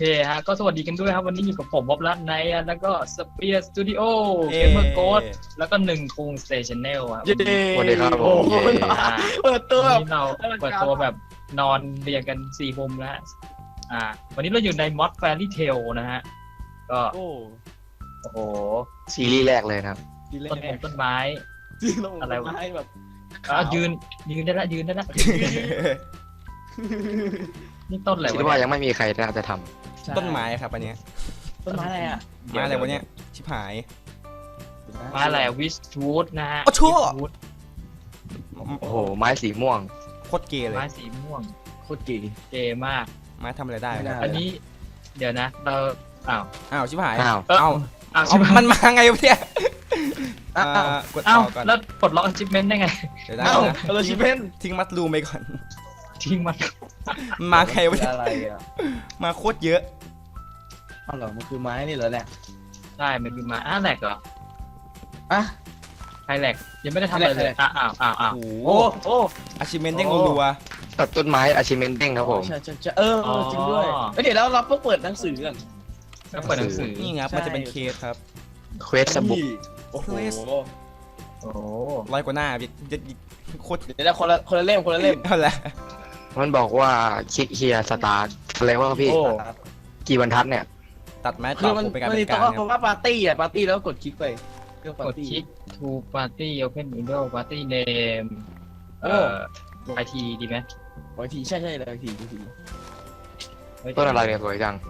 เคฮะก็สวัสดีกันด้วยครับวันนี้อยู่กับผมบ๊อบลัดไนท์แล้วก็สเปียร์สตูดิโอเกมเมอร์โค้ดแล้วก็1คุงสเตชันแนลครับสวัสดีครับผโอ้มโหเปิดตัววันนี้เราเปิดตัวแบบนอนเรียงกัน4มุมแล้ววันนี้เราอยู่ในมอดแฟรี่เทลนะฮะก็โอ้โอ้โหซีรีส์แรกเลยนะครับดีเลยต้นไม้จริงลงอะไรวะไม้แบบยืนได้ละนี่ต้นอะไรคิดวะว่าเนี่ยยังไม่มีใครน่าจะทต้นไม้ครับอันเนี้ยต้นไม้อะไรอ่ะไม้อะไรวะเนี่ยชิบหายไม้อะไรวิสทูดนะฮะโอ้ชั่ว Wishwood ำโอ้โห ไม้สีม่วงโคตรเกย์เลยไม้สีม่วงโคตรดีเกมากไม้ทำอะไรได้ไม่ได้วะอันนี้เดี๋ยวนะเราอ้าวอ้าวชิบหายอ้าวเอ้าอ้าวเอาใช่ไหมมันมาไงวะเนี่ยอ้าวกดอ้าวต่อก่อนแล้วปลดล็อก achievement ได้ไงเดี๋ยวได้อ้าวนะเราชิเพนทิ้งมัดรูมไปก่อนทิ้งมันมันมาไงวะเนี่ยอะไรอ่ะมาโคตรเยอะอ้าวเหรอมันคือไม้นี่เหรอเนี่ยได้มันมีมาแหลกเหรออ่ะใครแหลกยังไม่ได้ทำอะไรเลยใครแหลกอ้าวโอ้โหโอ้โอ้อาชิเมนเด้งรัวตัดต้นไม้ achievement เด้งครับผมใช่จริงด้วยเดี๋ยวเราเปิดหนังสือกันก็เปิดหนังสือๆนี่ไงครับมันจะเป็นเคสครับเควสสบุกโอ้โหโอ้โหร้อยกว่าหน้าพี่โคตรเดี๋ยวคนละเล่มเอาละมันบอกว่าคลิกเฮียสตาร์ทอะไรว่าพี่โอ้กี่บรรทัดเนี่ยตัดไม้คืต่ออมันผมไปการมันเป็มีนต้กาองรคำว่าปาร์ตี้แล้วก็กดคลิกไปเรื่องปาก ร์ดตี้คลิก to party open window party name โอ้ IT ดีไหมบางทีใช่เลยบางทีต้นอะไรเนี่ยสวยจัง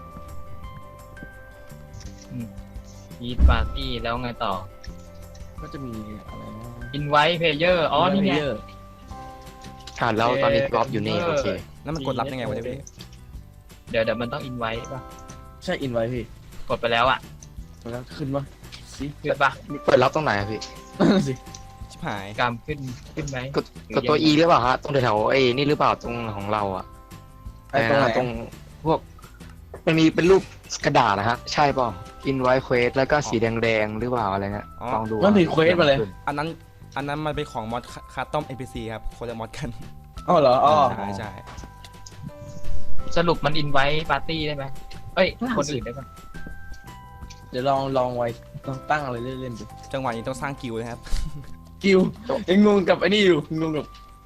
Eat party แล้วไงต่อก็จะมีอะไรนะ invite player อ๋อนี่ไงแล้วตอนนี้กรอบอยู่นี่ โอเคแล้วมันกดรับยังไงวะเนี่ยพี่เดี๋ยวมันต้อง invite ป่ะใช่อินไว้พี่กดไปแล้วอ่ะแล้วขึ้นปะสิขึ้นป่ะเปิดรับตรงไหนอะพี่นั่นสิชิบหายกำขึ้นไหมกดตัว E หรือเปล่าฮะ ตรงแถวๆนี่หรือเปล่าตรงของเราอะไอ้ตรงไหนตรงพวก มันมีเป็นรูปกระดาษนะฮะ ใช่เปล่า invite quest แล้วก็สีแดงๆหรือเปล่าอะไรเนี่ยลองดูมันมีเควสมาเลยอันนั้นมันเป็นของมอดคาต้อม NPC ครับคนละมอดกันอ๋อเหรออ๋อใช่ใช่สรุปมัน invite party ได้ไหมเอ้ยน่าคนสิอื่นได้ป่ะเดี๋ยวลองไว้ต้องตั้งอะไรเล่นๆดูจังหวะนี้ต้องสร้างกิลด์นะครับกิวยังงงกับไอ้นี่อยู่งงกับ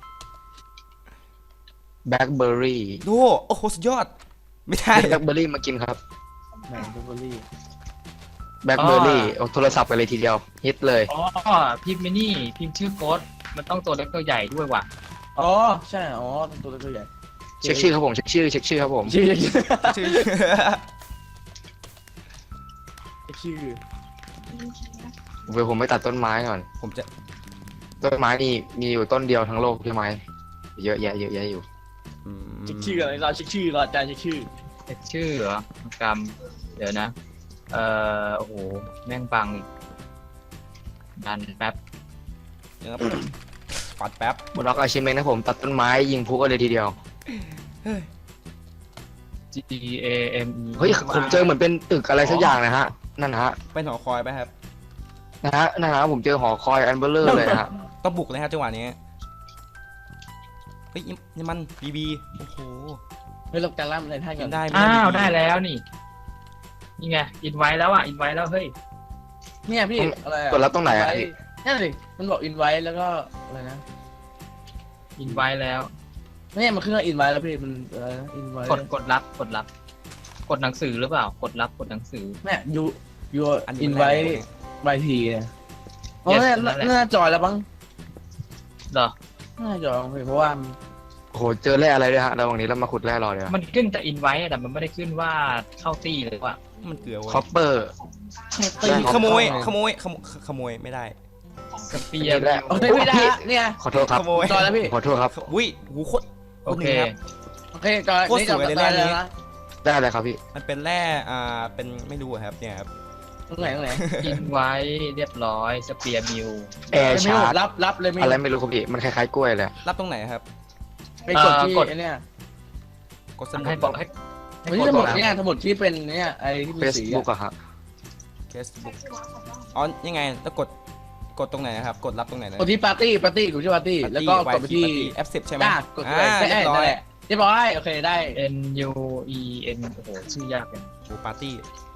blackberry ดูโอ้โหสุดยอด ไม่ได้ blackberry มากินครับแมนเบอร์รี่ blackberry เอาโทรศัพท์ไปเลยทีเดียวฮิตเลยอ๋อพิมพ์ไม่นี่พิมพ์ชื่อโค้ดมันต้องตัวเล็กตัวใหญ่ด้วยว่ะอ๋อใช่อ๋อตัวเล็กตัวใหญ่เช็คชื่อครับผม เช็คชื่อครับผมชื่อชื่อชื่อเดี๋ยวผมไปตัดต้นไม้ก่อนผมจะต้นไม้นี่มีอยู่ต้นเดียวทั้งโลกใช่ไหมเยอะแยะอยู่อืมเช็คชื่ออะไรเราเช็คชื่อเราอาจารย์เช็คชื่อเช็คชื่อเหรอกรรมเดี๋ยวนะ โอ้โห แม่งบังอีกดันแป๊บเดี๋ยวครับปัดแป๊บบล็อกอาชิเมนนะผมตัดต้นไม้ยิงพุกันเลยทีเดียว G A M E เฮ้ยผมเจอเหมือนเป็นตึกอะไรสักอย่างนะฮะ นั่นนะฮะเป็นหอคอยไปครับนั่นนะผมเจอหอคอยอันเบลเลอร์เลยนะฮะต้องบุกเลยครับจังหวะนี้เฮ้ยนี่มันบีโอ้โหไม่ลบการล่ำในท่ากิกันนได้ไหมอ้าว BB ได้แล้วนี่ นี่ไง อินไว้แล้วอ่ะ อินไว้แล้ว เฮ้ยเนี่ยพี่อะไรกดรับตรงไหนอะพี่นั่นสิมันบอกอินไว้แล้วก็อะไรนะอินไว้แล้วเนี่ยมันขึ้นว่าอินไว้แล้วพี่มันอะไรนะอินไว้กดรับ กดหนังสือหรือเปล่า กดรับ กดหนังสือเนี่ยยูอันอินี้นมันไว้แรกเลยใบทีเนี่ยอ๋อ Yes เนี่ยนั่นแหละน่าจอยแล้วบ้างเหรอน่าจอยเพราะว่าโอ้โหเจอแร่อะไรด้วยฮะระหว่างนี้เรามาขุดแร่รอเลยมันขึ้นแต่อินไว้แต่มันไม่ได้ขึ้นว่าเข้าตี้เลยว่ะมันเกลือคอเว้ยปเปอร์ตีขโมยไม่ได้สเปียร์แร่โอ้ยไม่ได้เนี่ยขอโทษครับขโมยจอยแล้วพี่ขอโทษครับอุ้ยหูโคตรโอเคหนึ่งครับโอเคจอยโคตรสวยเลยแร่นี้นะได้อะไรครับพี่มันเป็นแร่เป็นไม่รู้อะครับเนี่ยครับตรงไหนอินไว้เรียบร้อย สเปียร์มิวแอร์ชาร์จรับเลยไม่อะไรไม่รู้ครับพี่มันคล้ายๆกล้วยเลยรับตรงไหนครับไปกดที่ไอ้เนี่ยกดสมุดให้บอกให้มันที่สมุดเนี่ยสมุดที่เป็นเนี่ยไอ้ที่มีสี Facebook อะฮะ Facebook อ๋อยังไงแล้วกดตรงไหนนะครับกดรับตรงไหนนะกดที่ปาร์ตี้กูชื่อปาร์ตี้แล้วก็กดไปที่ F10 ใช่ไหมกดไปเรียบร้อยเรียบร้อยโอเคได้ N U E N โอ้โหชื่อยากเลยโอ้ปาร์ตี้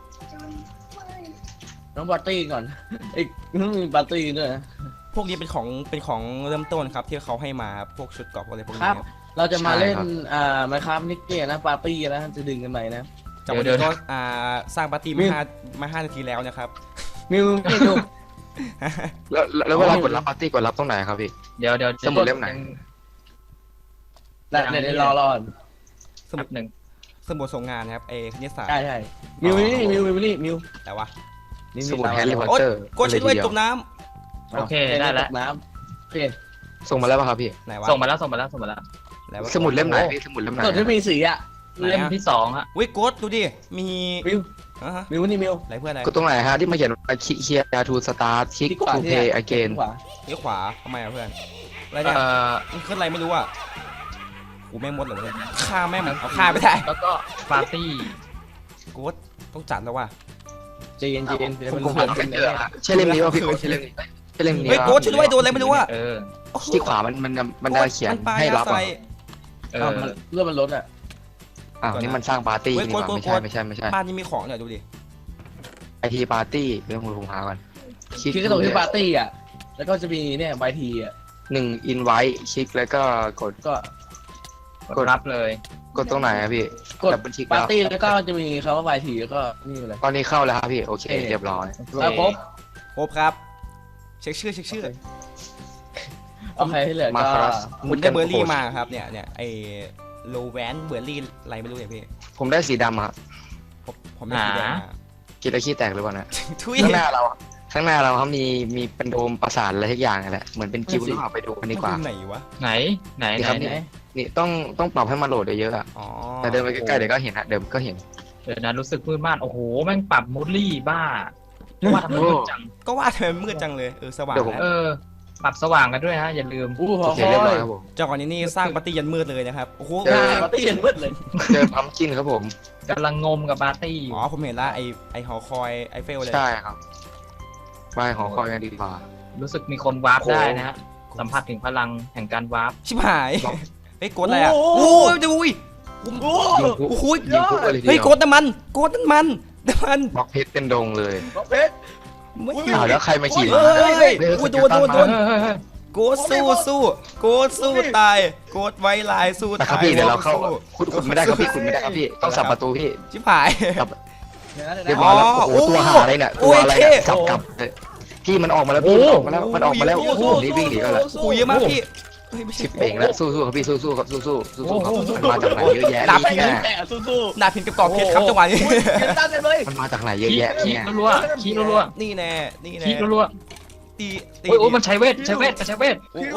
น้องปาร์ตี้ก่อนอีกมีปาร์ตี้ด้วยนะพวกนี้เป็นของเริ่มต้นครับที่เขาให้มาครับพวกชุดเกราะอะไรพวกคนี้รับครับเราจะมาเล่นไมค์ครับนิกเก้นะปาร์ตี้นะจะดึงกันไหนนะจากวันนี้ก็สร้างปาร์ตี้มา5นาทีแล้วนะครับมิวนี่ดูแล้วเวลากดรับปาร์ตี้กดรับตรงไหนครับพี่เดี๋ยวสมุดเล่มไหนเดี๋ยวรอสมุดหนึ่งสมุดส่งงานนะครับคณิตศาสตร์ใช่มิวนี่มิวแต่ว่านี่สมุดแฮร์รี่พอตโอ๊ยเตอร์กดช่วยด้วยจมน้โอเคได้แล้วน้ำโอเคส่งมาแล้วป่ะครับพี่ำไหนวะส่งมาแล้วแล้ววะสมุดเล่มไหนพี่สมุดเล่มไหนส่วนที่มีสีอ่ะเล่มที่2ฮะวิกดดูดิมีมิวฮะมิวนี่มิวอะไรเพื่อนอะไรกดตรงไหนฮะที่มาเขียนว่าเคียร์ทูสตาร์ชิกที่ขวาทูที่เพไหนย์อเกนขวาเลี้ยวขวาทำไมอะเพื่อนอะไรเนี่ยมันขึ้นอะไรไม่รู้อ่ะกูแม่งมดเหรอเนี่ยฆ่าแม่งเอาฆ่าไม่ได้แล้วก็ปาร์ตี้กูว่าต้องจัดแล้วว่ะเจนเดี๋ยวมันผมเกิดไม่เป็นเจอใช่เล่มนี้ป่ะพี่ใช่เล่มนี้ใช่เล่มนี้เฮ้ยโกดช่วยด้วยโดนอะไรไม่รู้อ่ะที่ขวามันได้เขียนปลาให้รับใส่เรื่องมันลดอ่ะอ้าวนี่มันสร้างปาร์ตี้เฮ้ยนี่หว่าโกดไม่ใช่บ้านนี้มีของเนี่ยดูดิไอทีปาร์ตี้เรื่องผมหาก่อนคือก็ตรงที่ปาร์ตี้อ่ะแล้วก็จะมีเนี่ยใบทีอ่ะ 1อินไว้คลิกแล้วก็กดก็กดรับเลยกดตรงไหนครับพี่กดดับเบิลคลิกปาร์ตี้แล้วก็จะมีคำว่าใบทีแล้วก็นี่เลยตอนนี้เข้าแล้วครับพี่โอเคเรียบร้อยแล้วครบครบครับเช็คชื่อโอเคที่เหลือมาก็ครัสผมได้เบอร์รี่มาครับเนี่ยไอโลแวนเบอร์รี่อะไรไม่รู้เนี่ยพี่ผมได้สีดำครับผมไม่สีแดงมากินแล้วขี้แตกหรือเปล่านะทุยข้างหน้าเราเขามีเป็นโดมประสาทอะไรทุกอย่างนั่นแหละเหมือนเป็นกิวหรือเปล่าไปดูกันดีกว่าไหนวะไหนนี่ครับ นี่ต้องปรับให้มันโหลดเยอะๆอะอ๋อแต่เดินไปใกล้ๆเดี๋ยวก็เห็นฮะเดี๋ยวก็เห็นเดี๋ยวนะรู้สึกมืดมากโอ้โหแม่งปรับมูดลี่บ้าว่าทำไมมืดจังก็ว่าทำไมมืดจังเลยสว่างเดี๋ยวผมแล้วปรับสว่างกันด้วยฮะอย่าลืมอู้หโออเคคอเรียบร้อยยครับผมจากก่อนนี้สร้างปาร์ตี้ยันมืดเลยนะครับโอ้โหปาร์ตี้เห็นมืดเลยเจอพัมกินครับผมกำลังงมกับปาร์ตี้อยู่อ๋อผมเห็นละไอหอคอยไอเฟลเลยใช่ครับไปหอคอยกันดีกว่ารู้สึกมีคนวาร์ปได้นะฮะสัมผัสถึงพลังแห่งการวาร์ปชิบหายเฮ้ยกดอะไรอ่ะโอ้ยดูยโอ้ยิงพุโอ้โหยิงพุกันเลยทีเฮ้ยเดียวกดน้ำมันบล็อกเพชรเป็นดงเลยเพชรไม่อ้าวแล้วใครมาขี่เฮ้ยโอ้ยโดนเฮ้ยโกดสู้โกดสู้ตายโกดไว้ลายสู้นะครับตายพี่เดี๋ยวเราเข้าสู้คุณไม่ได้ครับพี่คุณไม่ได้ครับพี่ต้องสับประตูพี่ชิบหายเรียบร้อยแล้วอ๋อโอ้โหตัวหาอะไรเนี่ยโอ้ตัวย อะไรเนี่ยเท่สับกลับเลยพี่มันออกมาแล้วพี่มันออกมาแล้วผมนี่วิ่งหนีก็แล้วโอ้ยเยอะมากพี่เฮ้ยไม่ใช่ชิบเองแล้วสู้ๆครับพี่สู้ๆครับสู้ๆครับมันมาจากไหนเยอะแยะดาบเนี่ยแต่สู้ดาบพินกับกรอบเพชรครับจังหวะนี้ๆเกินต้านเลยมันมาจากไหนเยอะขี้แยะขี้เนี่ยรัวๆขี้รัวนี่แน่ๆขี้รัวตีๆโอ้ยมันใช้เวทโอ้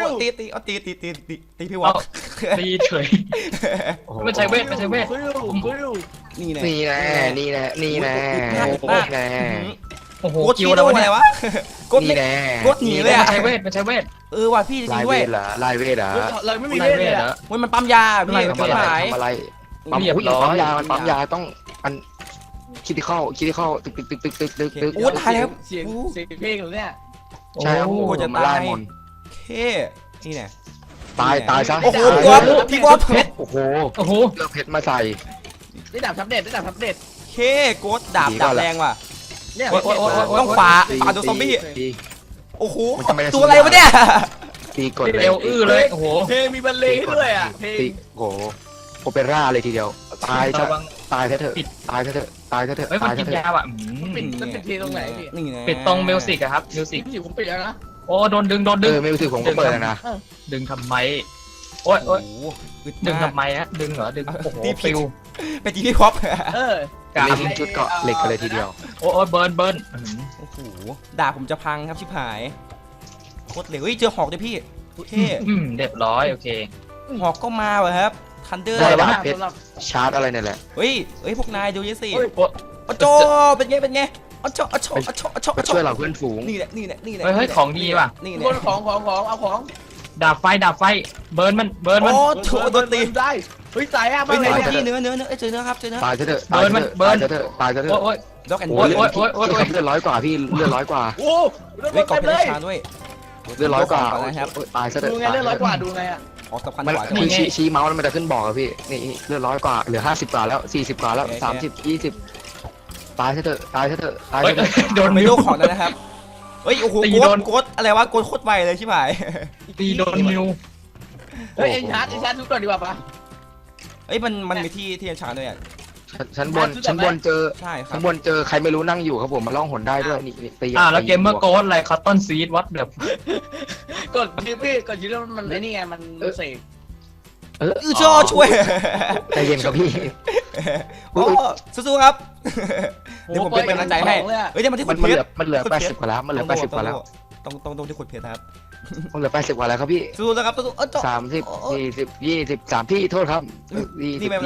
ตีพี่วอเอากตีเฉยโอ้โหมันใช้เวทนี่แน่นี่แน่นี่แน่นี่แน่แน่โอ้โหโกดคิคิ Ờ, ววแล้วอะไรเนี่ยวะกดนี่แน่กดหนีเลยอะมันใช้เวทว่ะพี่จริลายงเวด้วยทเหรอลายเวทเหรอเราไม่มีไล่เวทเวเลยทเหรอ่ะอมันปั๊มยาพี่ทำอะไรหายทำอะไรปั๊มเรียบผู้หญิร้งอยปั๊มยาต้องมันคิดที่เข้าตึกตึกโอ้ตายแล้วเสียงเพลงเนี่ยใช่ครับโอ้โอ้จะมาไล่มนเคนี่แน่ตายซะโอ้โหพี่วอฟโอ้โหโอ้โหเลือกเพชรมาใส่ได้ดาบทับเด็ดได้ดาบทับเด็ดเคโกดดาบแรงว่ะเนี่ยต้องฝ่าโดนซอมบี้ตีโอ้โหมันจะไม่ได้ตัวอะไรวะเนี่ยตีกดเลเร็ยวอื้อเลยโอ้โหเพลงมีบรรเลงด้วยอ่ะเพลงตีโอ้โหโอเปร่าเลยทีเดียวตายซะระวังตายเถอะตายเถอะตายเถอะเฮ้ยมันตายกินเถยาอะอ่ะปิดมันปิดเพลงตรงไหนพี่นี่แน่ปิดตรงมิวสิกอะครับมิวสิกพี่ผมปิดแล้วนะโอ้โดนดึงไม่รู้สึกผมก็เปิดแล้วนะดึงทำไมโอ้ยโอ้โอ้ยโหดึงทำไมฮะดึงเหรอดึงโอ้โหตีผิดฟิวไปจีพี่วอฟกาเล่นชุดเกาะเหล็กกันเลยทีเดียวโอ้ยเบิร์นโอ้โหดาบผมจะพังครับชิบหายโคตรเหลวเฮ้ยเจอหอกด้วยพี่เท่เรียบร้อยโอเคหอกก็มาว่ะครับทันเดอร์ได้ปะสำหรับชาร์จอะไรเนี่ยแหละเฮ้ยพวกนายดูยี่สิโอ้ยโอ้โจเป็นไงโอ้โจมาช่วยเราเพื่อนฝูงนี่แหละเฮ้ยของดีว่ะนี่คนของเอาของดาบไฟเบิร์นมันโอ้โหโดนตีได้เฮ้ยตายอ่ะเฮ้ยมาเลยพี่เนื้อเจอเนื้อครับเจอเนื้อตายเถอะตายเถอะตายเถอะตายเถอะโอ้ยด็อกแอนด์โอ้บอลเลือดร้อยกว่าพี่เลือดร้อยกว่าโอ้เฮ้ยกอบเต็มเพเลชยรชาด้วยเลือดร้อยกว่านะครับตายซะเถอะดูไงเลือดร้อยกว่าดูไงอ่ะอของสำคัญมันกว่าคือชี้เมาส์แล้วมันจะขึ้นบอกอะพี่นี่เลือด100 กว่าเหลือ50 กว่าแล้ว40 กว่าแล้ว30 20ตายซะเถอะตายซะเถอะตายเฮ้ยซะเถอะโดนไม่มิวรู้ของแล้วนะครับเฮ้ยโอ้โหตีโกโดดนโกดอะไรวะโกดโคตรไวเลยชิบหายตีโดนมิวเฮ้ยเอ็นชาร์จทุกก่อนดีกว่าปะเอ้ยมันมีที่อัญชันด้วยอ่ะชั้นบนเจอใช่ครัชั้บนบนเจอใครไม่รู้นั่งอยู่ครับผมมาล่องหนได้ด้วยนี่ตีแล้วเกมเมอร์โกดอะไรคัตตอนซีดวัดแบบกดยืดพี่กดยืดแล้วมันไอ้นี่ไงมันเสกชอช่วยใจเย็นครับพี่โอ้สู้ๆครับเดี๋ยวผมเป็นกำลังใจให้เฮ้ยเดี๋ยวมาที่มัขุนดเพเหลืชอรมันเหลือ80 กว่าแล้วมันเหลือ80 กว่าแล้วต้องที่ขุดเพชรครับมันเหลือ80 กว่าแล้วครับพี่สู้ๆนะครับสู้ๆ 30 40 23พี่โทษครับนี่ไม่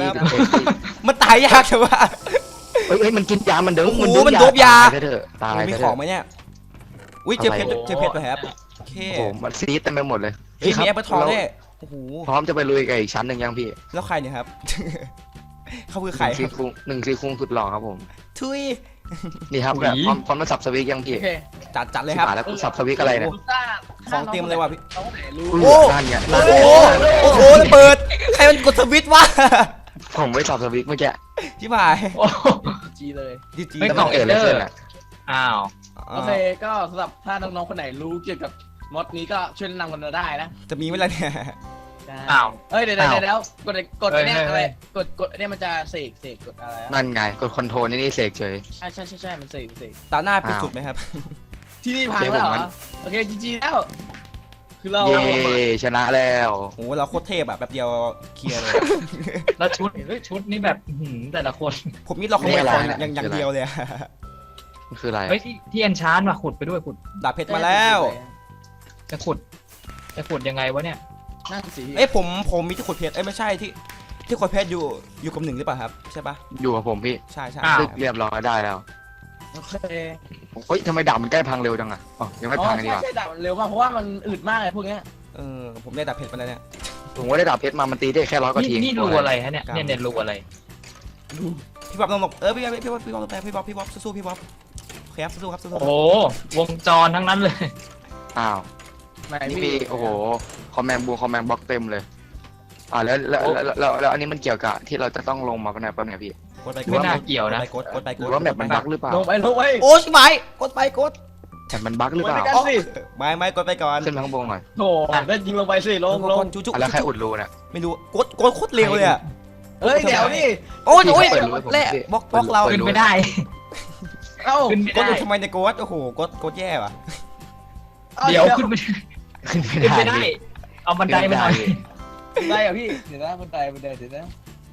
20 เป็นไร 21 มันตายยากใช่ปะเฮ้ยมันกินยามันเด้งโอ้โหมันมันโดบยาตายเถอะตายมีเถของอะไหมเนี่ยอุ้ยเจอเพชรด้วยครับโอเคโอ้โหมันซีดเต็มไปหมดเลยเฮ้ยครัมีแอปเปิลทองด้วยโอ้โหพร้อมจะไปลุยกับอีกชั้นหนึ่งยังพี่แล้วใครเนี่ยครับ เขาคือใครหนึ่งซีคุงสุดหล่อครับผมทุยนี่ครับแบบพร้อมมาสับสวิกยังพี่โอเคจัดเลยครับแล้วกูสับสวิกอะไรเนี่ยของเตรียมเลยว่ะพี่น้องไหนรู้โอ้นั่นไงโอ้โหโอ้โหระเบิดใครมันกดสวิตช์วะผมไม่สับสวิกเมื่อกี้ชิบหายโอ้จีเลยดีจีไม่แล้วกล่มัองนเกิดอะไรขึ้นอ่ะอ้าวโอเคก็สำหรับถ้าน้องๆคนไหนรู้เกี่ยวกับมอดนี้ก็ช่วยแนะนำกันมาได้นะจะมีเวลาเนี่ยอ้าวเอ้ยเดี๋ยวกดเนี่ยอะไรกดเนี่ยมันจะเสกกดอะไรนั่นไงกดคอนโทรลนี่เสกเฉยใช่มันเสกตาหน้าเป็นสุดไหมครับที่นี่พังแล้วเหรอโอเคจีแล้วคือเราเย่ชนะแล้วโอ้โหเราโคตรเทพอะแบบเดียวเคลียร์เลยแล้วชุดนี่แบบแต่ละคนผมนี่เราขโมยของอย่างเดียวเลยมันคืออะไรเฮ้ยที่เอนชานมาขุดไปด้วยขุดดาบเพชรมาแล้วจะขุดยังไงวะเนี่ยนั่นสิเอ้ยผมมีที่ขุดเพชรเอ้ยไม่ใช่ที่ขุดเพชรอยู่กับหนึ่งหรือเปล่าครับใช่ปะอยู่กับผมพี่ใช่เรียบร้อยได้แล้วโอเคเฮ้ยทำไมดาบมันใกล้พังเร็วจังอ่ะอ๋อยังไม่พังอันนี้ว่ะใช่ดับเร็วมากเพราะว่ามันอึดมากเลยพวกเนี้ยผมได้ดาบเพชรมาแล้วเนี่ยผมว่าได้ดาบเพชรมามันตีได้แค่100 กว่าทีนี่รูอะไรฮะเนี่ยรูอะไรพี่บ๊อบลงพี่บ๊อบสู้ๆพี่บ๊อบโอเคครับสู้ๆครับสู้โอ้วงจรทั้งนั้นเลยอ้าว นี่มีโอ้โหคอมแมนบล็อกเต็มเลยแล้วอันนี้มันเกี่ยวกับที่เราจะต้องลงมาเป็นไงป่ะเนี่ยพี่กดไปไม่น่าเกี่ยวนะกดไปหรือว่าแมปมันบั๊กหรือเปล่าลงไปโอ้ชิบหายกดไปกดแมปมันบั๊กหรือเปล่ากันสิไม่กดไปก่อนขึ้นไปข้างบนหน่อยโถเล่นยิงลงไปสิลงจุ๊แล้วใครอุดรูเนี่ยไม่รู้กดโคตรเร็วเลยอ่ะเฮ้ยเดี๋ยวนี่โอ้ยแล่บล็อกเราขึ้นไม่ได้เอ้าขึ้นไม่กดได้ทำไมในกดโอ้โหกดแย่ว่ะเดี๋ยวขึ้นไม่ขึ้นไม่ขึ้นไม่ได้ได้ เอาบันไดไปหน่อยได้อะพี่เดี๋ยวนะบันไดเดี๋ยวนะ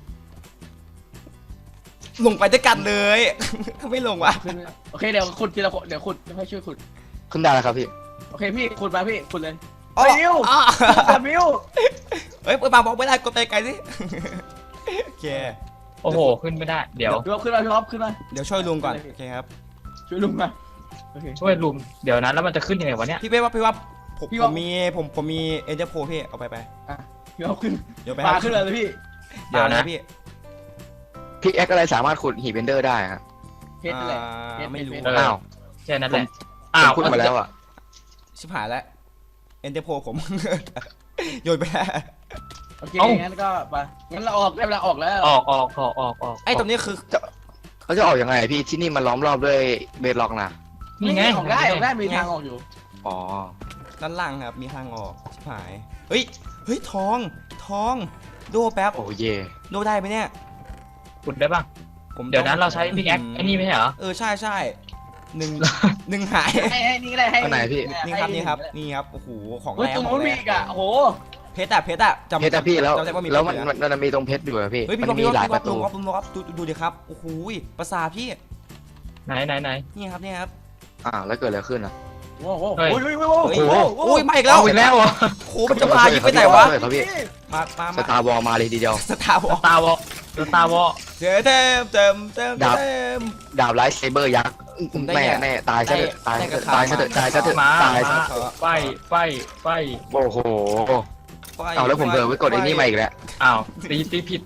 ลงไปด้วยกันเลยไม่ลงว่ะขึ้นโอเคเดี๋ยวขุดทีละคนเดี๋ยวขุดให้ช่วยขุดขึ้นได้แล้วครับพี่โอเคพี่ขุดมาพี่ขุดเลยอ๋อมิวมิวเฮ้ยบางบอกไม่ได้กดไปไกลสิโอเคโอ้โหขึ้นไม่ได้ เดี๋ยวพี่อ๊อฟขึ้นมาพี่อ๊อฟขึ้นมาเดี๋ยวช่วยลุงก่อนโอเคครับช่วยลุงมาโอเคช่วยลุมเดี๋ยวนะแล้วมันจะขึ้นยังไงวะเนี่ยพี่ว่าผมมีเอ็นเจอร์โพพี่เอาไปพี่อ๊อฟขึ้นเดี๋ยวไปปลาขึ้นเลยพี่เดี๋ยวนะพี่พี่เอ็กอะไรสามารถขุดหีบเบนเดอร์ได้ครับเพชรอะไรไม่รู้อ้าวแค่นั้นแหละผมขุดมาแล้วอ่ะชิบหายแล้วเอ็นเจอร์โพผม โยนไปแล้วโอเคงั้นก็ไปงั้นเราออกได้เวลาออกแล้วออกไอ้ตรงนี้คือเขาจะออกยังไงพี่ที่นี่มันล้อมรอบด้วยเบดล็อกนะนี่ไงออกได้มีทางออกอยู่อ๋อด้านล่างครับมีทางออกชิบหายเฮ้ยทองโดแป๊บโอ้เย่โดได้ไหมเนี่ยขุดได้ป่ะเดี๋ยวนั้นเราใช้พิกแอคไอ้นี่ไม่ใช่เหรอใช่หนึ่งหายให้นี่ก็ได้ให้อันไหนพี่นี่ครับโอ้โหของเฮ้ยแรงตรงขอนู้งนแรมีงอีกอ่ะโอ้โหเพชรอะจำเพชรอะพี่แล้วจำได้ว่ามีแล้วเพชรมันมีตรงเพชรอยู่อะพี่เฮ้ยพี่มันมีหลายประตูลงครับดูดิครับโอ้โหประสาทพี่ไหนนี่ครับแล้วเกิดอะไรขึ้นอ่ะโอ้โหโอ้ยมาอีกแล้วเอาอีกแล้วเหรอโอ้มันจะพายิงไปไหนวะครับพี่มาสตาร์วอลมาเลยทีเดียวสตาร์วอลตาวอเต็มดาบไลท์เซเบอร์ยักษ์แน่ตายซะเถอะตายซะเถอะตายซะเถอะตายซะเถอะมาตายซะไฟโอ้โหเอาแล้วผมเผลอไปกดไอ้นี่มาอีกแล้วอ้าวตีผิด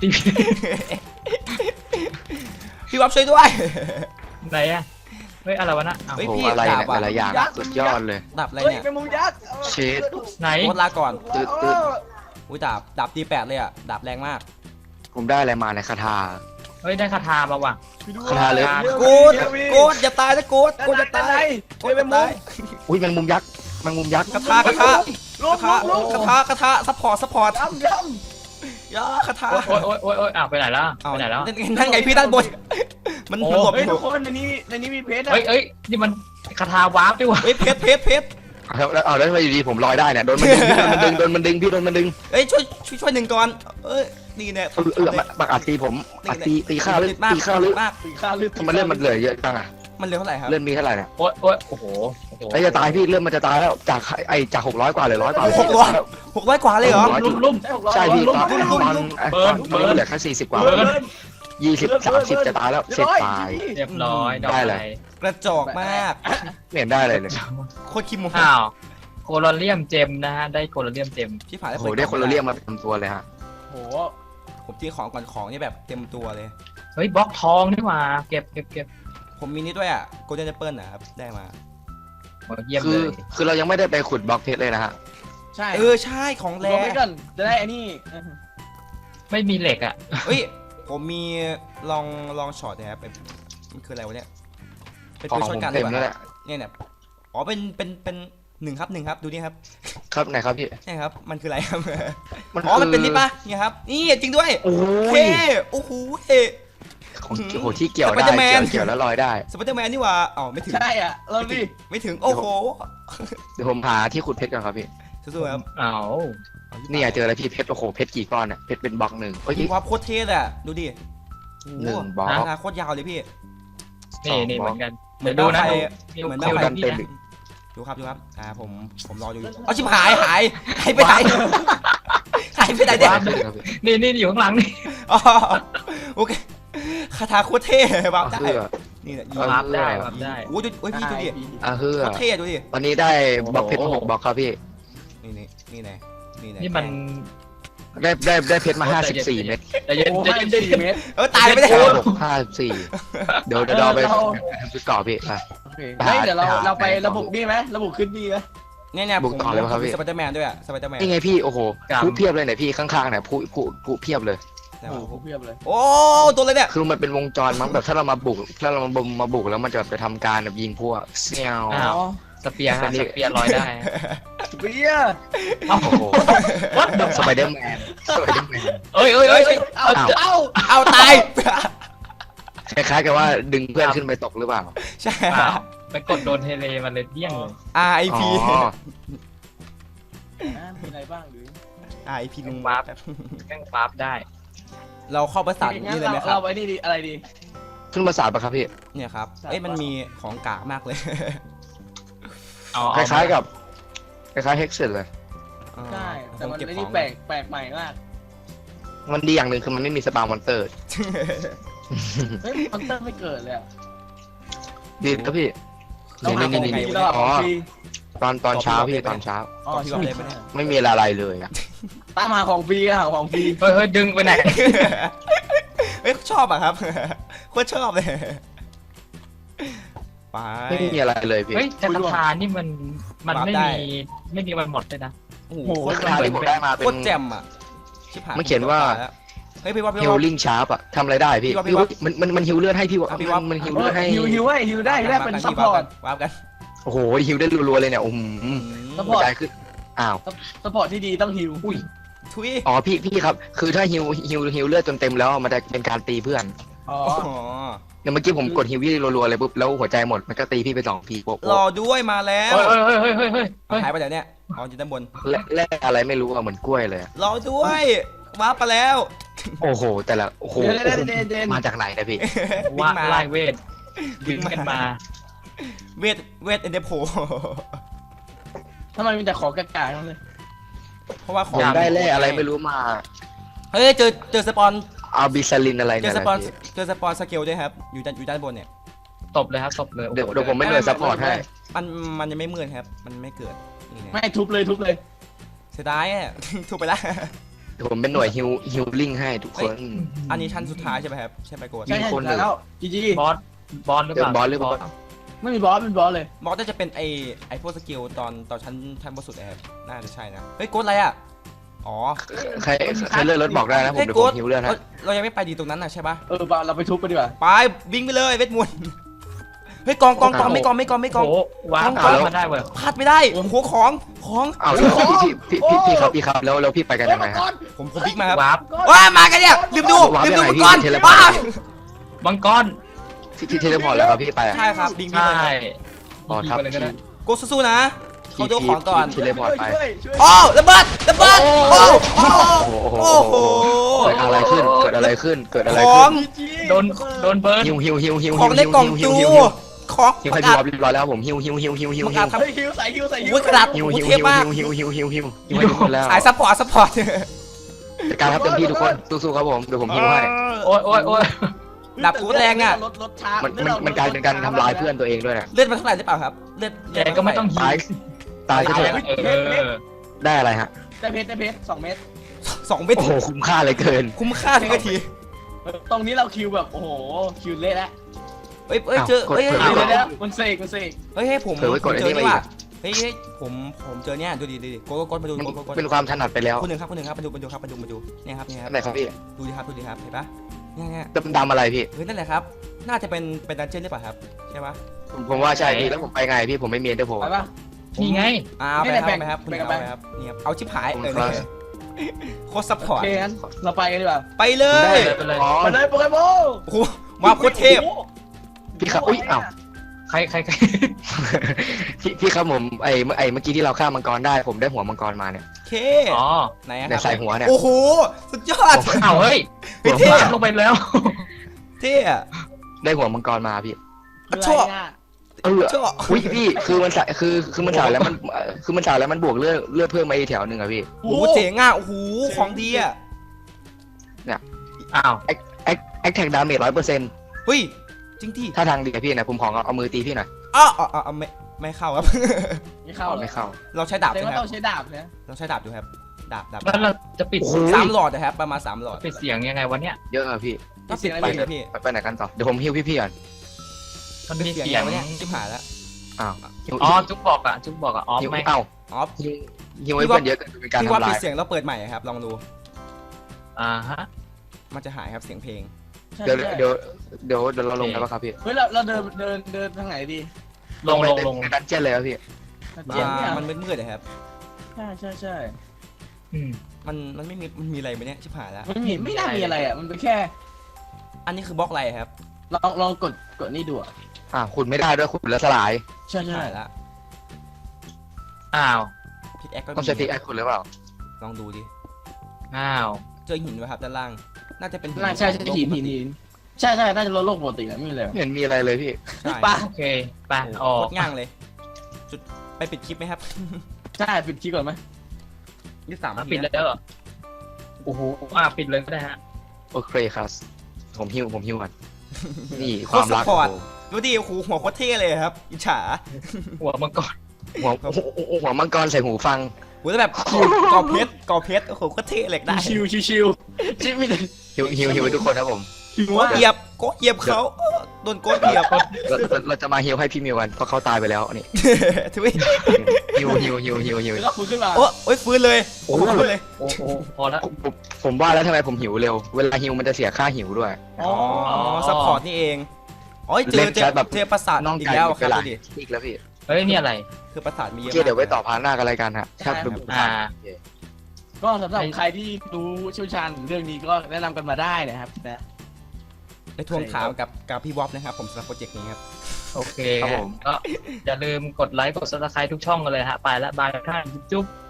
พี่วับช่วยด้วยไหนอะเฮ้ยอะไรวะนะเฮ้ยโอ้พี่โหอะไรเนี่ยดาบอะแต่ละอย่างสุดยอดเลยดับอะไรเฮ้ยเนี่ยเป็นมุมยักษ์เชดไหนโคตรลาก่อนตืดอุ้ยดาบตี8เลยอ่ะดาบแรงมากผมได้อะไรมาในคาถาเฮ้ยได้คาถามาว่ะคาถาเลยโกดอย่าตายนะโกดอย่าตายโกดอย่าตายอุ้ยแมงมุมยักษ์แมงมุมยักษ์กระทะลุกซัพพอร์ตย้ำยาคาถาโอ้ยอ้าวไปไหนแล้วเอาไปไหนแล้วนั่นไงพี่ด้านบนมันหลบเฮ้ยอยู่ทุกคนในนี้มีเพชรเฮ้ยนี่มันคาถาวาร์ปด้วยว่ะเฮ้ยเพชรแล้วทำไมอยู่ดีผมลอยได้เนี่ยโดนมันดึงพี่โดนมันดึงเอ้ยช่วยหนึ่งก่อนนี่เนี่ยบักอัดตีผมอัดตีข้าวหรือตีข้าวหรือมากตีข้าลึกทำไมเลื่อนมันเหลือเยอะจังอ่ะมันเร็วเท่าไหร่ครับเลื่อนมีเท่าไหร่เนี่ยโอ้โหไอ้จะตายพี่เลื่อนมันจะตายแล้วจาก600กว่าเหลือ100กว่า 600กว่าเลยเหรอลุ่มใช่พี่ตอนเหลือแค่40กว่า20 30จะตายแล้วเสร็จตายเรียบร้อยดอกได้อะเลไรยกระจอกมากไม่เห็นได้เลยเนี่ยโคตรคิมโมอ้าวโคลอเรียมเจมนะฮะได้โคลอเรียมเจมพี่ผ่านโอ้โหได้คนละเรียกมาเป็นตัวเลยฮะโหผมที่ของก่อนของนี่แบบเต็มตัวเลยเฮ้ยบล็อกทองนี่หว่าเก็บผมมีนี่ด้วยอ่ะโกลเด้นแอปเปิลนะครับได้มาเยี่ยมคืเลอย คือเรายังไม่ได้ไปขุดบล็อกเพชรเลยนะฮะใช่ใช่ของรแรอไปก่อนจะได้ไอ้นี่ไม่มีเหล็กอ่ะเฮ้ยผมมีลองช็อตนะครับมันคืออะไรวะเนี่ยเป็นของปืนช็อผตมกันเต็มเลแล้วยแหละเนี่ยอ๋อเป็นหนึ่งครับดูนี่ครับครับไหนครับพี่นี่ครับมันคืออะไรครับมันอ๋อมันเป็นนี่ปะเนี่ยครับนี่จริงด้วยโอ้เฮ้ยโอ้โหของโอ้โหที่เกี่ยวได้ Spider-Man เกี่ยวแล้วลอยได้สไปเดอร์แมนนี่หว่าอ๋อไม่ถึงใช่อ่ะเราดิไม่ถึงโอ้โหเดี๋ยวผมหาที่ขุดเพชรก่อนครับพี่สู้ๆครับอ้าวนี่เจออะไรพี่เพชรโอ้โหเพชรกี่ก้อนเนี่ยเพชรเป็นบล็อกหนึ่งเอ้ยมีความโคตรเท่เลยอะดูดิหนึ่งบล็อกราคาโคตรยาวเลยพี่นี่เหมือนกันเหมือนดูบ้านะไฟดูเหมือนดูบ้าไฟกันเต็มดูครับผมรออยู่เอาชิบหายไปไหนหายไปไหนเนี่ยนี่อยู่ข้างหลังนี่อ๋อโอเคคาถาโคตรเท่วาร์ปได้เพื่อนี่แหละวาร์ปได้วาร์ปได้โอ้ยพี่ดูดิเพื่อโคตรเท่ดูดิวันนี้ได้บล็อกเพชร6บล็อกครับพี่นี่ไงนี่มันได้เพชรมา54เม็ดแต่เย็นโอ้ใจให้เย็น 4 เมตรตายไม่ได้ 54เดี๋ยวไปชุดเกาะพี่อ่ะเฮ้ยเดี๋ยวเราไประบุนี่ไหมระบุขึ้นนี่ไหมเนี่ยบุกต่อเลยครับพี่สไปเดอร์แมนด้วยอะสไปเดอร์แมนนี่ไงพี่โอ้โหผู้เพียบเลยเนี่ยพี่ข้างๆเนี่ยผู้เพียบเลยโอ้โหเพียบเลยโอ้ตัวเลยเนี่ยคือมันเป็นวงจรมั้งแบบถ้าเรามาบุกแล้วมันจะไปทำการแบบยิงพวกเซี่ยวอ้าวสเปียร์ฮะสเปียร์ลอยได้เบียร์โอ้โหสไปเดอร์แมนเอ้ยเอาตายคล้ายๆกับว่าดึงเพื่อนขึ้นไปตกหรือเปล่าใช่ไปกดโดนเทเลมันเลยเดี้ยงเลย RIP อ๋อมีอะไรบ้างหรือ RIP ลุงวาร์ปแม่งวาร์ปได้เราเข้าประสานงั้นี่นเลยไหมครัเราบไปนี่ดีอะไรดีขึ้นมาสาดปะครับพี่เนี่ยครับสามมันมีของกากมากเลยคล้ายๆกับคล้ายๆเฮกเซนเลยใช่แต่มันเก็บไอ้ขอนี่งแปลกใหม่มากมันดีอย่างหนึ่งคือมันไม่มีสปามอนเตอร์เฮ้ยมอนเตอร์ไม่เกิดเลยดีครับพี่ต้องหาของฟรีแล้วของฟรีตอนเช้าพี่ตอนเช้าอ๋อพี่ว่าเลยปะเนี่ยไม่มีอะไรเลยอ่ะตามหาของฟรีหาของฟรีเฮ้ยดึงไปไหนเฮ้ยชอบอะครับ โคตรชอบเลย ไปไม่มีอะไรเลยพี่เฮ้ยแต่คาถานี่มันไม่มีวันหมดเลยนะโอ้โหโอ้โหคาถาที่ผมได้มาเป็โคตรนแจ่มอะชิบหายมันเขียนว่าเฮ้ยพี่ว่าฮิลลิ่งชาร์ปอะทำอะไรได้พี่พี่ว่ามันฮิลเลือดให้พี่วะพี่ว่ามันฮิลเลือดให้ฮิวได้เป็นซัพพอร์ตวาร์ปกันโอ้โหฮิลได้รัวๆเลยเนี่ยซัพพหัอวร์ตใจขึ้นอ้าวซัพพอร์ตที่ดีต้องฮิวอุ้ยทุยอ๋อพี่ครับคือถ้าฮิลเลือดจนเต็มแล้วมันจะเป็นการตีเพื่อนอ๋ออ๋อเนี่ยเมื่อกี้ผมกดฮิลวี่รัวๆเลยปุ๊บแล้วหัวใจหมดมันก็ตีพี่ไป2 ทีโป๊ะรอด้วยมาแล้วเฮ้ยหายไปไหนเนี่ยอ๋ออยู่ด้านบนแร่อะไรไม่รู้อะเหมือนกล้วยเลยอะรอด้วยวาร์ปไปแล้วโอ้โหแต่ละโอ้โหเดนมาจากไหนนะพี่ว่าไล่เวทดึงกันมาเวทเอ็นเดโพทำไมมีแต่ของกากๆทั้งเลยเพราะว่าขผองมได้แร่อะไรไม่รู้มาเฮ้ยเจอสปอนเอาบิซาลินอะไรเจเนี่อย สนะปอนพี่เจอสปอนสเกลด้วยครับอยู่ด้านบนเนี่ยตบเลยครับตบเลยเดี๋ยวผมไม่หน่วยซัพพอร์ตให้มันยังไม่มืดครับมันไม่เกิดนี่ไงไม่ทุบเลยเสียดายอ่ะ ถูกไปแล้วเดี๋ยวผมเป็นหน่วยฮิลลิ่งให้ทุกคนอันนี้ชั้นสุดท้ายใช่ไหมครับใช่ไหมโกดใช่มีคนหนึ่งแล้วจีจีบอสหรือเปล่าบอสหรือเปล่าไม่มีบอสเป็นบอสเลยมอสน่าจะเป็นไอพวกสกิลตอนชั้นบนสุดนะครับน่าจะใช่นะเฮ้ยโกดอะไรอ่ะอ๋ออ๋อใครเลื่อนรถบอกได้นะผมเฮ้ยเดี๋ยวโกผดมหิวเลื่อนฮะเรายังไม่ไปดีตรงนั้นน่ะใช่ปะเราไปทุบกันดีกว่าไปวิ่งไปเลยเวทมนต์เฮ้ยกองไม่กองโอ้โหวางกองมาได้เว้ยพลาดไม่ได้โอ้โหของอ้าวแล้วพี่ครับแล้วพี่ไปกันยังไงฮะผมบิ๊กมาครับวาร์ปว้ามากันเนี่ยลืมดูวาร์ปลืมดูยังไงมังกรพี่เทเลพอร์ตว้ามังกรที่เทเลพอร์ตแล้วครับพี่ไปอะใช่ครับบิงใช่อ๋อครับไปเลยก็ได้โกสู้ๆนะเขาดูของก่อนเทเลพอร์ตไปช่วยโอ้ระเบิดโอ้โอ้โหโอ้โหเกิดอะไรขึ้นเกิดอะไรขึ้นของโดนเบิร์นหิวของในกล่องจูของหิวปให้ระพี่กาศวอลเรียบร้อยแล้วผมหิวประกาศทำเฮ้ยฮิวใส่ฮิวโอ้ยกระดาษหิวโอ้หิวเทพมากหิวให้ทุกคนแล้วสายซัพพอร์ตจัดการครับเต็มที่ทุกคนสู้ๆครับผมเดี๋ยวผมหิวให้โอ้ยดับกูแรงอ่ะรถช้ามันกลายเป็นการทำลายเพื่อนตัวเองด้วยนะเลือดมันเท่าไหร่หรือเปล่าครับเลือดแกก็ไม่ต้องหิวตายก็เถอะ ได้อะไรฮะได้เพชร2 เม็ด 2 เม็ดโอ้โหคุ้มค่าเลยเกินคุ้มค่าทุกนาทีตรงนี้เราคิวแบบโอ้โหคิวเละแล้วเฮ้ยเจอเฮ้ยเดี๋ยวมันเสกเฮ้ยผมเผลอไว้กดเจไอ้อนี่นี่มาอีว่ะกเฮ้ยผมเจอเนี่ยดูดิกดมาดูมันกดเป็นความถนัดไปแล้วคนหนึ่งครับมาดูเนี่ยครับอันไหนครับพี่ดูดิครับเห็นปะเนี่ยดำอะไรพี่เฮ้ยนั่นแหละครับน่าจะเป็นดันเจี้ยนหรือเปล่าครับใช่ปะผมว่าใช่พี่แล้วผมไปไงพี่ผมไม่มีเอ็นเตอร์โพลไปปะนี่ไงเอาไปครับคุณเอาไปครับเนี่ยเอาชิบหายโคตรซัพพอโอร์ตเคงั้นเราไปกันดีกว่าไปเลยไปเลยอ๋อไปเลยโปเกมอนโอ้โหมาโคตรเทพพี่ครับอุ้ยอ้าวใครพี่ครับผมไอ้เมื่อกี้ที่เราฆ่ามังกรได้ผมได้หัวมังกรมาเนี่ยเคอ๋อไหนคในรับใส่หัวเนี่ยโอ้โหสุดยอดอ้าวเฮ้ยพี่เท่ลงไปแล้วเท่อะได้หัวมังกรมาพี่ชั่วชั่วอุ้ยพี่คือมันใส่คือมันใส่แล้วมันคือมันใส่แล้วมันบวกเลือดเพิ่มมาอีกแถวหนึ่งอะพี่โอ้โหเจ๋งอ่ะโอ้โหของดีอ่ะอ้าวแอคแท็กดาเมจ100% เฮ้ยจริงที่ถ้าทางดีอะพี่นะผมขอเอามือตีพี่หน่อยอ๋อไม่เข้าครับไม่เข้าไม่เข้าเราใช้ดาบแต่ใช่ไหมว่าคต้รัอบ งใช้ดาบนะเราใช้ดาบอยู่ครับดาบแล้วเราจะปิดโอ้โห 3 หลอดนะครับประมาณ3 หลอดปิดเสียงยังไงวะเนี่ยเยอะอะพี่ก็ปิดไปเลยพี่ไปไหนกันต่อเดี๋ยวผมฮิวพี่ก่อนมันปิดมีเสียงเสียงวะเนี่ยชิบหายแล้วอ้าวฮิวอ๋อจุ๊บบอกอ่ะอ๋อฮิวไม่เอ้าอ๋อฮิวให้เพื่อนเยอะเกินเป็นการพี่ว่าทำลาปิดยเสียงแล้วเปิดใหม่ครับลองดูฮะมันจะหายครับเสียงเพลงเดี๋ยวเราลงกันป่ะครับพี่เฮ้ยเราเดินทางไหนดีลงในดันเจี้ยนเลยครับพี่เจียนเนี่ยมันมืดๆนะครับใช่อืมมันไม่มีมันมีอะไรไหมเนี่ยชิบหายแล้วไม่น่ามีอะไรอ่ะมันเป็นแค่อันนี้คือบล็อกอะไรครับลองกดนี่ดูอ่ะขุดไม่ได้ด้วยขุดแล้วสลายใช่ชิบหายแล้วอ้าวพิกแอคก็ต้องใช้พิกแอคขุดหรือเปล่าลองดูดิอ้าวเจอหินไหมครับด้านล่าง น่าจะเป็นหินใช่หินใช่น่าจะลดโลกปกติแหละไม่มีอะไรไม่เห็นมีอะไรเลยพี่ใช่ปะโอเคไปโอ้อโหอโคกตรง่างเลยจุดไปปิดคลิปไหมครับใช่ปิดคลิปก่อนไหม 23 นาทีปิดนะแล้วเหรอโอ้โหปิดเลยก็ได้ฮะโอเคครับผมฮิวก่อนนี่ความรักโคตรซัพพอร์ตดูดิโอ้โหหัวโคตรเท่เลยครับอิจฉาหัวมังกรหัวมังกรใส่หูฟังโหแล้วแบบก่อเพชรโอ้โหโคตรเท่เหล็กได้ชิวชิไม่ได้ฮิวให้ทุกคนครับผมหัวเหยียบโกดเหยียบเขาโดนโกดเหยียบเราจะมาฮิวให้พี่มิวกันเพราะเขาตายไปแล้วนี่ทุยฮิวแล้วก็ฟื้นขึ้นมาโอ้ยฟื้นเลยโอ้โหฟื้นเลยโอ้โหพอแล้วผมว่าแล้วทำไมผมหิวเร็วเวลาฮิวมันจะเสียค่าหิวด้วยอ๋อซัพพอร์ตนี่เองอ๋อเจอปราสาทน้องอีกไก่แล้วหมดคเวรับลาดูดิอีกแล้วพี่เฮ้ยนี่อะไรคือปราสาทมีเยอะโอเคเดี๋ยวไว้ต่อพาร์ทหน้ากันรายการฮะครับก็สำหรับใครที่รู้เชี่ยวชาญเรื่องนี้ก็แนะนำกันมาได้นะครับนะไปทวงถามกับพี่วอฟนะครับผมสำหรับโปรเจกต์นี้ครับโอเคก็อย่าลืมกดไลค์กดซับสไครต์ทุกช่องกันเลยฮะไปแล้วบายท่านจุ๊บ